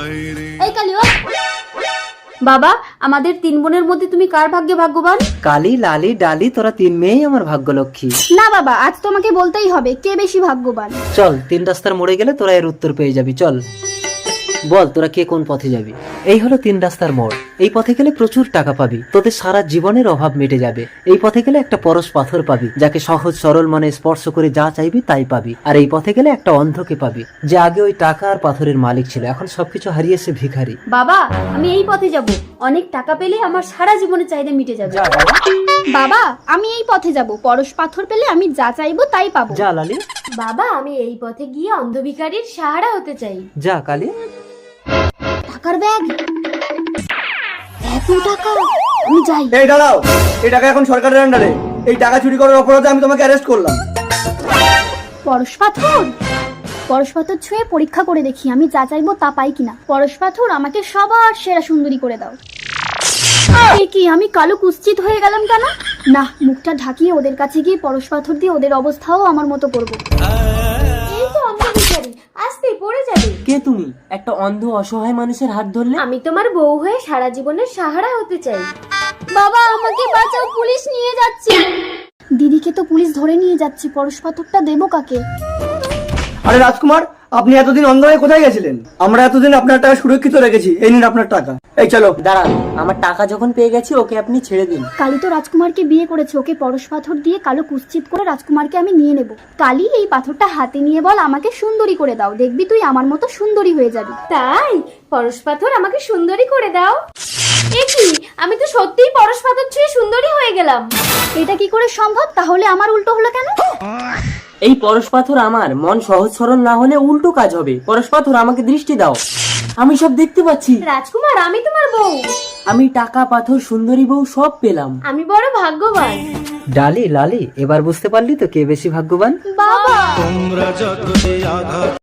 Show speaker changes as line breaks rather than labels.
এই কালি ও বাবা, আমাদের 3 বোনের মধ্যে তুমি কার ভাগ্যে ভাগ্যবান?
কালি, লালি, ডালি, তোরা 3 মেয়েই আমার ভাগ্যলক্ষ্মী।
না বাবা, আজ তোমাকে বলতেই হবে কে বেশি ভাগ্যবান।
চল 3 রাস্তার মোড়ে গেলে তোরা এর উত্তর পেয়ে যাবি। চল বল তোরা কে কোন পথে যাবি। এই হলো 3 রাস্তার মোড়। এই পথে গেলে প্রচুর টাকা পাবি, তোদের সারা জীবনের অভাব মিটে যাবে। এই পথে গেলে একটা পরশ পাথর পাবি, যাকে সহজ সরল মনে স্পর্শ করে যা চাইবি তাই পাবি। আর এই পথে গেলে একটা অন্ধকে পাবি, যে আগে ওই টাকা আর পাথরের মালিক ছিল, এখন সবকিছু হারিয়ে সে ভিখারি।
বাবা, আমি এই পথে যাব, অনেক টাকা পেলে আমার সারা জীবনের চাহিদা মিটে যাবে। বাবা, আমি এই পথে যাব, পরশ পাথর পেলে আমি যা চাইবো তাই পাবো।
যা লালি।
বাবা, আমি এই পথে গিয়ে অন্ধ ভিখারির সাহারা হতে চাই।
যা কালি।
টাকার ব্যাগ, এত টাকা, আমি যাই।
এই দাঁড়াও, এই টাকা এখন সরকারের আন্ডারে। এই টাকা চুরি করার অপরাধে আমি তোমাকে অ্যারেস্ট করলাম।
পরশ পাথর, পরশ পাথর ছুঁয়ে পরীক্ষা করে দেখি আমি যা চাইবো তা পাই কিনা। পরশ পাথর, আমাকে সবার সেরা সুন্দরী করে দাও। এ কি, আমি কালো কুৎসিত হয়ে গেলাম কেন? না, মুখটা ঢাকিয়ে ওদের কাছে গিয়ে পরশ পাথর দিয়ে ওদের অবস্থাও আমার মতো করবো। এই তো অন্ধ ভিখারি, আস্তে পড়ে যাবে।
কে তুমি? একটা অন্ধ অসহায় মানুষের হাত ধরলে?
আমি তোমার বউ হয়ে সারা জীবনের সাহারা হতে চাই। বাবা, আমাকে বাঁচাও, পুলিশ নিয়ে যাচ্ছে। দিদিকে তো পুলিশ ধরে নিয়ে যাচ্ছে, পরশ পাথরটা দেবো কাকে?
আরে রাজকুমার, আপনি এতদিন অন্ধ হয়ে কোথায় গেছিলেন? আমরা এতদিন আপনার টাকা সুরক্ষিত রেখেছি। এই নিন আপনার টাকা। এই চলো।
দাঁড়ান, আমার টাকা যখন পেয়ে গেছি ওকে আপনি ছেড়ে দিন।
কালী তো রাজকুমারকে বিয়ে করেছে, ওকে পরশ পাথর দিয়ে কালো কুৎসিত করে রাজকুমারকে আমি নিয়ে নেব। কালী, এই পাথরটা হাতে নিয়ে বল আমাকে সুন্দরী করে দাও, দেখবি তুই আমার মতো সুন্দরী হয়ে যাবি। তাই পরশ পাথর আমাকে সুন্দরী করে দাও। এ কি, আমি তো সত্যিই পরশ পাথর ছুঁয়ে সুন্দরী হয়ে গেলাম। এটা কি করে সম্ভব? তাহলে আমার উল্টো হলো কেন?
এই পরশ পাথর আমার, মন সহজ সরল না হলে উল্টো কাজ হবে। পরশ পাথর, আমাকে দৃষ্টি দাও, আমি সব দেখতে পাচ্ছি।
রাজকুমার, আমি তোমার বউ।
আমি টাকা, পাথর, সুন্দরী বউ সব পেলাম।
আমি বড় ভাগ্যবান।
ডালি, লালি, এবার বুঝতে পারলি তো কে বেশি ভাগ্যবান?
বাবা।